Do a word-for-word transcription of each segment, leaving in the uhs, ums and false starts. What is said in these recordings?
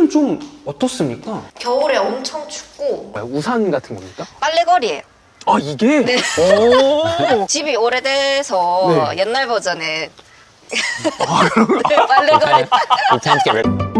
호주는 좀 어떻습니까? 겨울에 엄청 춥고 우산 같은 겁니까? 빨래거리예요. 아 이게? 네. 오. 집이 오래돼서 네. 옛날 버전의 네, 빨래거리. We tend to get rid.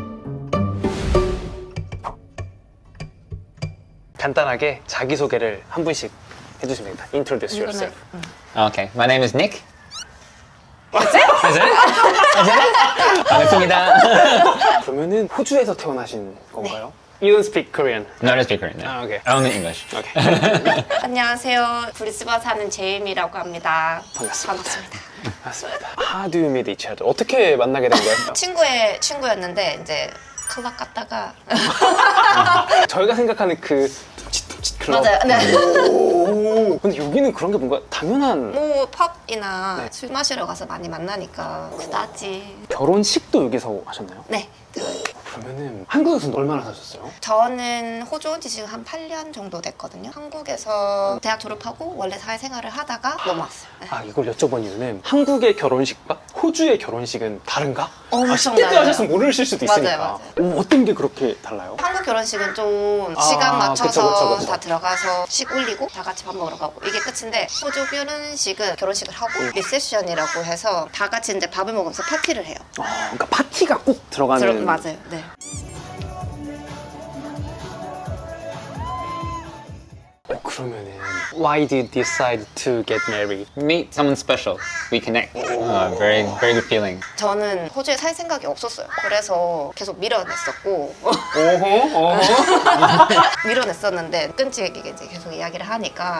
간단하게 자기소개를 한 분씩 해주시면 됩니다. Introduce yourself. Okay, my name is Nick. That's it? That's it? That's it? 반갑습니다. 그러면은 호주에서 태어나신 건가요? You don't speak Korean. No, I speak Korean. No. 아, okay. Only English. Okay. 안녕하세요. 브리스번 사는 제임이라고 합니다. 반갑습니다. 반갑습니다. 맞습니다. How do you meet each other? 어떻게 만나게 된 거예요? 친구의 친구였는데 이제 클럽 갔다가 저희가 생각하는 그 둠칫둠칫 클럽. 맞아요. 네. 오. 근데 여기는 그런 게 뭔가 당연한. 뭐 펍이나 네. 술 마시러 가서 많이 만나니까 그다지. 결혼식도 여기서 하셨나요? 네. 그러면은 한국에서는 얼마나 사셨어요? 저는 호주 온 지 지금 한 팔 년 정도 됐거든요. 한국에서 대학 졸업하고 원래 사회생활을 하다가 넘어왔어요. 네. 아 이걸 여쭤본 이유는 한국의 결혼식과 호주의 결혼식은 다른가? 엄청 아, 십 대 때 달라요. 하셨으면 모르실 수도 맞아요, 있으니까. 맞아요. 오, 어떤 게 그렇게 달라요? 한국 결혼식은 좀 아, 시간 맞춰서 그쵸, 그쵸, 그쵸. 다 들어가서 식 올리고 다 같이 밥 먹으러 가고 이게 끝인데 호주 결혼식은 결혼식을 하고 리셉션이라고 해서 다 같이 이제 밥을 먹으면서 파티를 해요. 아, 그러니까 파티가 꼭 들어가는. 들어, 맞아요. 네. 어, 그러면은 Why did you decide to get married? Meet someone special. We connect. Uh, very, very good feeling. 저는 호주에 살 생각이 없었어요. 그래서 계속 밀어냈었고 오호, 오호. 밀어냈었는데 끈질기게 이제 계속 이야기를 하니까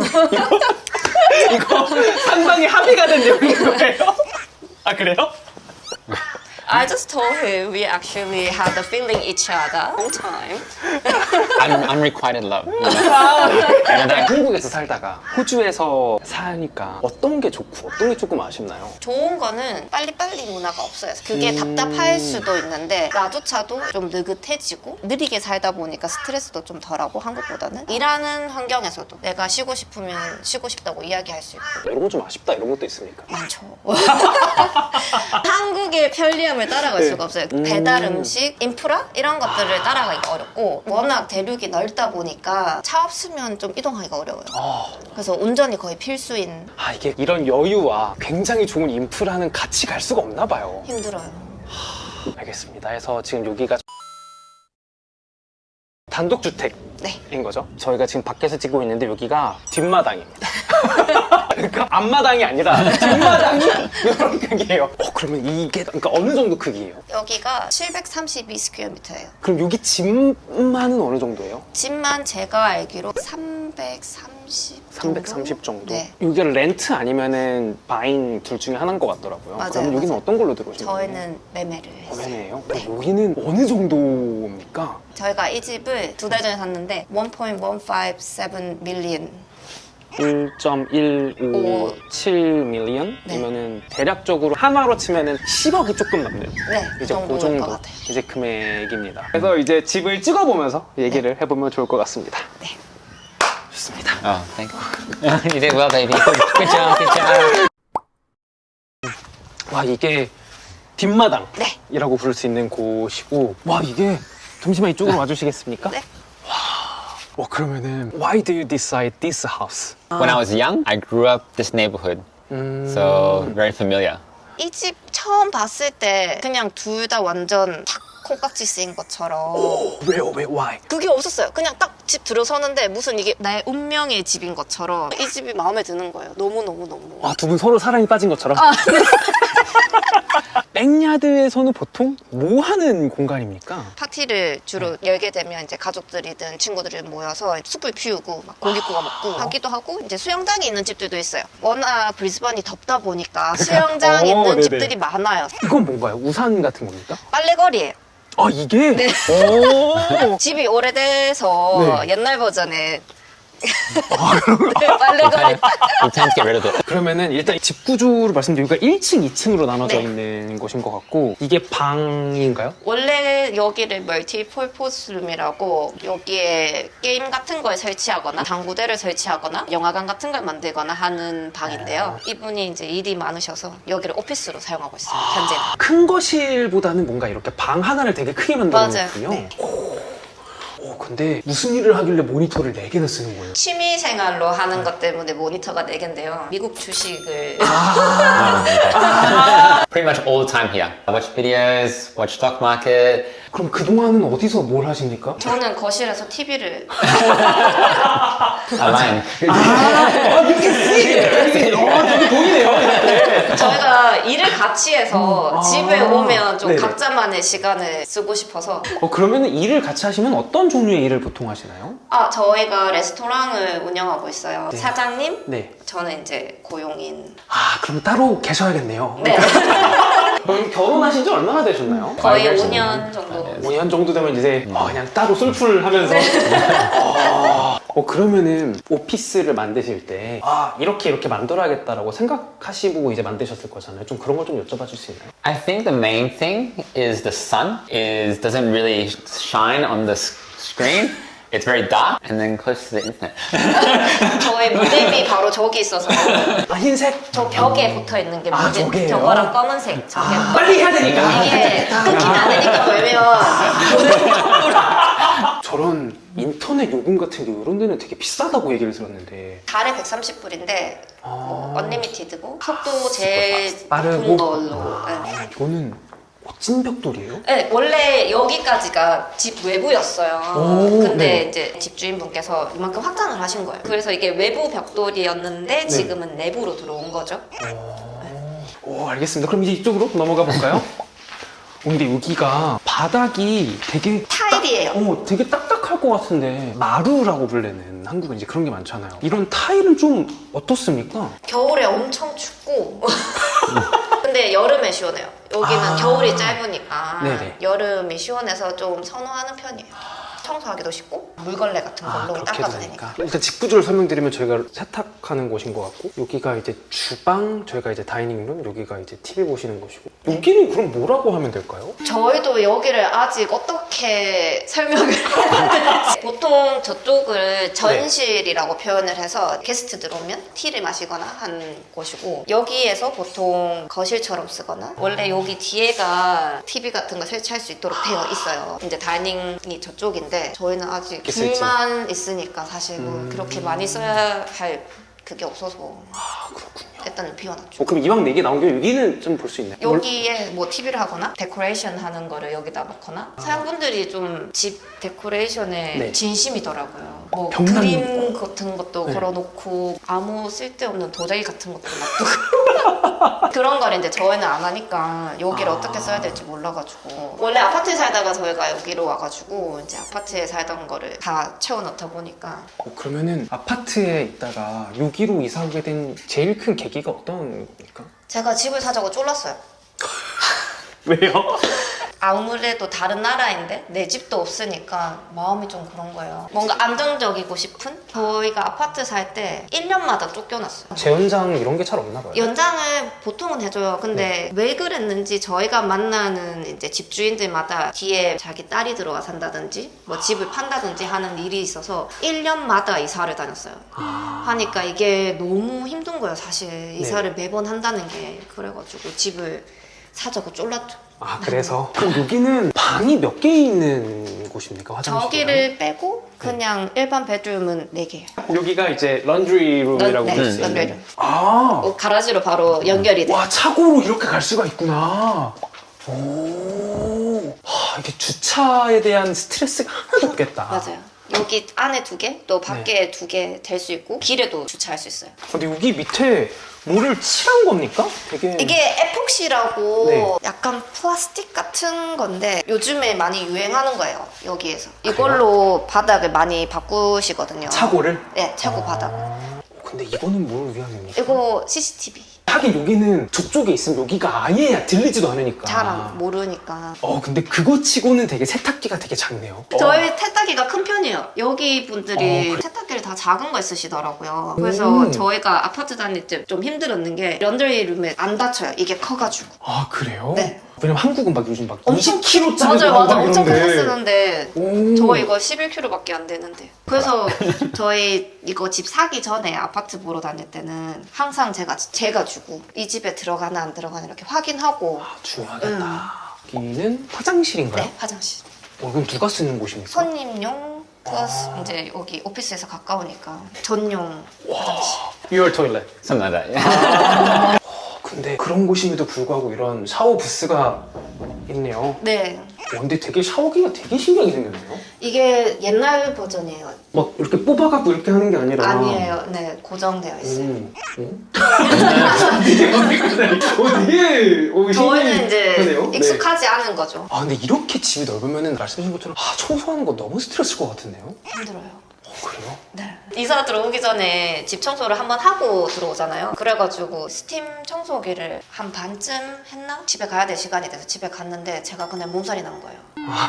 이거 상당히 합의가 된 내용인 거예요? 아 그래요? I just told him we actually had the feeling each other long time. Un- unrequited love. You know? 근데 한국에서 살다가 호주에서 사니까 어떤 게 좋고 어떤 게 조금 아쉽나요? 좋은 거는 빨리빨리 문화가 없어요. 그게 음. 답답할 수도 있는데 나조차도 좀 느긋해지고 느리게 살다 보니까 스트레스도 좀 덜하고 한국보다는 일하는 환경에서도 내가 쉬고 싶으면 쉬고 싶다고 이야기할 수 있고 이런 거 좀 아쉽다 이런 것도 있습니까? 많죠. 한국의 편리함을 따라갈 네. 수가 없어요. 음. 배달 음식, 인프라 이런 것들을 따라가기가 어렵고 워낙 대륙이 넓다 보니까 차 없으면 좀 이동하기가 어려워요. 아, 그래서 운전이 거의 필수인 아 이게 이런 여유와 굉장히 좋은 인프라는 같이 갈 수가 없나 봐요. 힘들어요. 알겠습니다. 그래서 지금 여기가 단독주택인 네. 거죠? 저희가 지금 밖에서 찍고 있는데 여기가 뒷마당입니다. 그러니까 앞마당이 아니라 뒷마당이 이런 크기예요. 어, 그러면 이게 그러니까 어느 정도 크기예요? 여기가 칠백삼십이 스퀘어미터예요. 그럼 여기 집만은 어느 정도예요? 집만 제가 알기로 삼백삼십 삼백삼십 정도? 네. 여기가 렌트 아니면은 바인 둘 중에 하나인 것 같더라고요. 맞아요, 그럼 여기는 맞아요. 어떤 걸로 들어오신 거예요? 저희는 매매를 했어요. 매매예요? 네. 그럼 여기는 어느 정도입니까? 저희가 이 집을 두 달 전에 샀는데 일 점 일오칠 밀리언 일 점 일오칠 밀리언이면은 대략적으로 한화로 치면은 십억이 조금 넘네요. 네, 그 이제 그 정도일 정도 것 같아요. 이제 금액입니다. 그래서 이제 집을 찍어보면서 얘기를 해보면 좋을 것 같습니다. 네. 좋습니다. Oh, thank you. You did well, baby. Good job, good job. 와 이게 뒷마당이라고 네. 부를 수 있는 곳이고 와 이게 잠시만 이쪽으로 와주시겠습니까? 네. 와 그러면은 Why do you decide this house? When I was young, I grew up this neighborhood, 음... so very familiar. 이 집 처음 봤을 때 그냥 둘 다 완전 탁 콩깍지 쓰인 것처럼 왜요? 왜? Why? 그게 없었어요. 그냥 딱 집 들어서는데 무슨 이게 나의 운명의 집인 것처럼 이 집이 마음에 드는 거예요. 너무너무너무. 와 두 분 서로 사랑에 빠진 것처럼? 아, 네. 백야드에서는 보통 뭐 하는 공간입니까? 파티를 주로 열게 되면 이제 가족들이든 친구들이 모여서 숯불 피우고 막 고기 구워 먹고 하기도 하고 이제 수영장이 있는 집들도 있어요. 워낙 브리스번이 덥다 보니까 수영장 어, 있는 네네. 집들이 많아요. 이건 뭔가요? 우산 같은 겁니까? 빨래거리예요. 아 이게? 네. 오. 집이 오래돼서 네. 옛날 버전의 빨래가 We tend to get rid of it. 그러면은 일단 집 구조를 말씀드리니까 일 층, 이 층으로 나눠져 네. 있는 곳인 것 같고 이게 방인가요? 원래 여기를 멀티 폴포스룸이라고 여기에 게임 같은 걸 설치하거나 당구대를 설치하거나 영화관 같은 걸 만들거나 하는 방인데요. 이분이 이제 일이 많으셔서 여기를 오피스로 사용하고 있어요. 현재는. 큰 거실보다는 뭔가 이렇게 방 하나를 되게 크게 맞아요. 만들어놓군요. 네. 오, 근데 무슨 일을 하길래 모니터를 네 개나 쓰는 거예요? 취미 생활로 하는 것 때문에 모니터가 네 개인데요. 미국 주식을 Pretty much all the time here. I watch videos, watch stock market. 그럼 그동안은 어디서 뭘 하십니까? 저는 거실에서 티비를 Online. 아, 이렇게 쓰이네. 어, 되게 보이네요. 저희가 일을 같이 해서 아. 집에 오면 좀 네네. 각자만의 시간을 쓰고 싶어서 어, 그러면 일을 같이 하시면 어떤 종류의 일을 보통 하시나요? 아 저희가 레스토랑을 운영하고 있어요. 네. 사장님, 네. 저는 이제 고용인. 아, 그럼 따로 계셔야겠네요. 네. 그럼 결혼하신 지 얼마나 되셨나요? 거의 years 오 년 정도. 오 년 정도 되면 이제 아, 그냥 따로 술풀 하면서 아, 어, 그러면은 오피스를 만드실 때 아, 이렇게 이렇게 만들어야겠다라고 생각하시고 이제 만드셨을 거잖아요. 좀 그런 걸 좀 여쭤봐 줄 수 있나요? I think the main thing is the sun is doesn't really shine on the s- screen. It's very dark and then close to the internet. 저의 무대미 바로 저기 있어서 아, 흰색? 저 벽에 붙어 있는 게 아, 무대. 저게요? 저거랑 검은색. 저게 빨리 해야 되니까. 이게 끊기면 안 되니까 걸면 저런 인터넷 요금 같은 게 이런 데는 되게 비싸다고 얘기를 들었는데 달에 백삼십 불인데 뭐 아. 언리미티드고 속도 제일 빠르고? 높은 걸로. 네. 아, 이거는 찐 벽돌이에요? 네, 원래 여기까지가 집 외부였어요. 오, 근데 네. 이제 집주인분께서 이만큼 확장을 하신 거예요. 그래서 이게 외부 벽돌이었는데 지금은 내부로 들어온 거죠. 오, 알겠습니다. 그럼 이제 이쪽으로 넘어가 볼까요? 어, 근데 여기가 바닥이 되게 타일이에요. 어, 되게 딱딱할 것 같은데 마루라고 불리는 한국은 이제 그런 게 많잖아요. 이런 타일은 좀 어떻습니까? 겨울에 엄청 춥고 근데 여름에 시원해요. 여기는 아. 겨울이 짧으니까 네네. 여름이 시원해서 좀 선호하는 편이에요. 청소하기도 쉽고 물걸레 같은 걸로 아, 그렇게 닦아도 되니까. 되니까. 일단 집 구조를 설명드리면 저희가 세탁하는 곳인 것 같고 여기가 이제 주방, 저희가 이제 다이닝룸, 여기가 이제 티비 보시는 곳이고 여기는 그럼 뭐라고 하면 될까요? 저희도 여기를 아직 어떻게 설명을 해야 될지 보통 저쪽을 전실이라고 표현을 해서 게스트들 오면 티를 마시거나 한 곳이고 여기에서 보통 거실처럼 쓰거나 원래 여기 뒤에가 티비 같은 거 설치할 수 있도록 되어 있어요. 이제 다이닝이 저쪽인데 저희는 아직 있을지. 둘만 있으니까 사실 뭐 음. 그렇게 많이 써야 할 그게 없어서 아, 그렇군요. 일단은 비워놨죠. 어, 그럼 이왕 네 개 나온 게 여기는 좀 볼 수 있나요? 여기에 뭐 티비를 하거나 데코레이션 하는 거를 여기다 놓거나 사람분들이 좀 집 데코레이션에 네. 진심이더라고요. 뭐 벽난 그림 같은 것도 네. 걸어놓고 아무 쓸데없는 도자기 같은 것도 놔두고 그런 걸 이제 저희는 안 하니까 여기를 아. 어떻게 써야 될지 몰라가지고 원래 아파트에 살다가 저희가 여기로 와가지고 이제 아파트에 살던 거를 다 채워넣다 보니까 어, 그러면은 아파트에 있다가 여기로 이사 오게 된 제일 큰 계기가 어떤 겁니까? 제가 집을 사자고 쫄랐어요. 왜요? 아무래도 다른 나라인데 내 집도 없으니까 마음이 좀 그런 거예요. 뭔가 안정적이고 싶은? 저희가 아파트 살 때 일 년마다 쫓겨났어요. 재연장 이런 게 잘 없나 봐요. 연장을 보통은 해줘요. 근데 왜 그랬는지 저희가 만나는 이제 집주인들마다 뒤에 자기 딸이 들어와 산다든지 뭐 집을 판다든지 하는 일이 있어서 일 년마다 이사를 다녔어요. 하니까 이게 너무 힘든 거예요, 사실. 이사를 매번 한다는 게. 그래가지고 집을 사자고 쫄랐죠. 아, 그래서 그럼 여기는 방이 몇 개 있는 곳입니까? 화장실. 저기를 빼고 그냥 일반 베드룸은 네 개예요. 여기가 이제 런드리룸이라고 네, 볼수 있는. 런드리룸. 아, 어, 가라지로 바로 연결이 돼. 와, 차고로 이렇게 갈 수가 있구나. 오, 하, 이게 주차에 대한 스트레스가 하나도 없겠다. 맞아요. 여기 안에 두 개, 또 밖에 두 개 될 수 있고 길에도 주차할 수 있어요. 근데 여기 밑에 뭐를 칠한 겁니까? 되게 이게 에폭시라고 네. 약간 플라스틱 같은 건데 요즘에 많이 유행하는 거예요. 여기에서. 이걸로 바닥을 많이 바꾸시거든요. 차고를? 네, 차고 바닥. 아, 근데 이거는 뭘 위함입니까? 이거 씨씨티비. 하긴 여기는 저쪽에 있으면 여기가 아예 들리지도 않으니까. 잘 안 모르니까. 어 근데 그거 치고는 되게 세탁기가 되게 작네요. 저희 세탁기가 큰 편이에요. 여기 분들이 어, 그래? 세탁기를 다 작은 거 쓰시더라고요. 그래서 음. 저희가 아파트 다닐 때 좀 힘들었는 게 런드리룸에 안 닫혀요. 이게 커가지고. 아 그래요? 네. 왜냐면 한국은 막 요즘 막 엄청 이십 킬로그램짜리 맞아요, 맞아요. 엄청 크게 쓰는데 오. 저 이거 십일 킬로그램밖에 안 되는데. 그래서 저희 이거 집 사기 전에 아파트 보러 다닐 때는 항상 제가 제가 주고 이 집에 들어가나 안 들어가나 이렇게 확인하고. 아, 중요하겠다. 여기는 화장실인가요? 네, 화장실. 어, 그럼 누가 쓰는 곳입니까? 손님용 플러스 아. 이제 여기 오피스에서 가까우니까 전용 화장실. Your toilet. Something like that. Yeah. 근데 그런 곳임에도 불구하고 이런 샤워 부스가 있네요. 네. 어, 근데 되게 샤워기가 되게 신기하게 생겼네요. 이게 옛날 버전이에요. 막 이렇게 뽑아갖고 이렇게 하는 게 아니라. 아니에요. 네, 고정되어 있어요. 음. 어? 되게 어, 되게 어, 저희는 이제 신기하네요. 네. 익숙하지 않은 거죠. 아 근데 이렇게 집이 넓으면은 말씀하신 것처럼 아, 청소하는 거 너무 스트레스일 것 같은데요? 힘들어요. 어 그래요? 네. 이사 들어오기 전에 집 청소를 한번 하고 들어오잖아요. 그래가지고 스팀 청소기를 한 반쯤 했나? 집에 가야 될 시간이 돼서 집에 갔는데 제가 그냥 몸살이 난 거예요.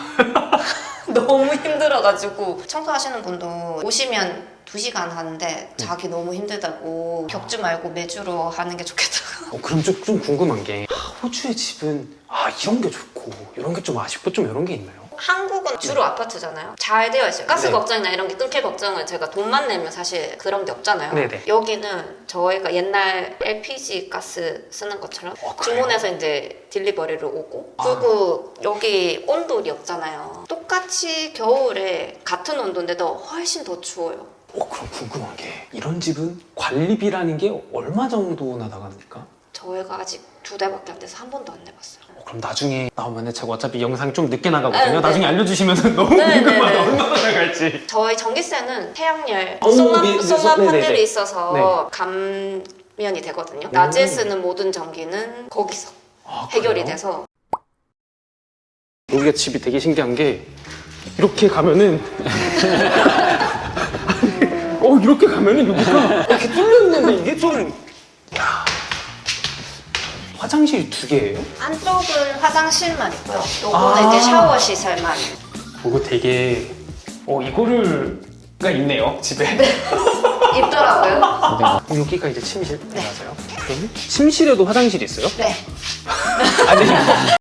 너무 힘들어가지고 청소하시는 분도 오시면 두 시간 하는데 자기 너무 힘들다고 격주 말고 매주로 하는 게 좋겠다고. 어, 그럼 좀, 좀 궁금한 게 아, 호주의 집은 아 이런 게 좋고 이런 게 좀 아쉽고 좀 이런 게 있나요? 한국은 주로 아파트잖아요. 잘 되어 있어요. 가스 네. 걱정이나 이런 게 뚫게 걱정은 제가 돈만 내면 사실 그런 게 없잖아요. 네네. 여기는 저희가 옛날 엘피지 가스 쓰는 것처럼 어, 그래요? 주문해서 이제 딜리버리로 오고 아. 그리고 여기 온도이 없잖아요. 똑같이 겨울에 같은 온도인데도 훨씬 더 추워요. 어 그럼 궁금한 게 이런 집은 관리비라는 게 얼마 정도나 나갑니까? 저희가 아직 두 달밖에 안 돼서 한 번도 안 내봤어요. 어, 그럼 나중에 나오면은 제가 어차피 영상이 좀 늦게 나가거든요. 네, 나중에 네. 알려주시면 너무 네, 궁금하다. 네, 네. 얼마나 나갈지. 저희 전기세는 태양열, 오, 솔라, 미- 솔라 네네네. 판넬이 있어서 네. 감면이 되거든요. 낮에 쓰는 모든 전기는 거기서 아, 해결이 그래요? 돼서. 여기가 집이 되게 신기한 게 이렇게 가면은 어 이렇게 가면은 여기가 이렇게 뚫려 있는데 이게 좀 야. 화장실 두 개예요? 안쪽은 화장실만 있고요. 요거는 아. 이제 샤워 시설만. 이거 되게 어 이거를가 있네요 집에. 있더라고요. 어, 여기가 이제 침실 맞아요? 그러면 침실에도 화장실이 있어요? 네. 아니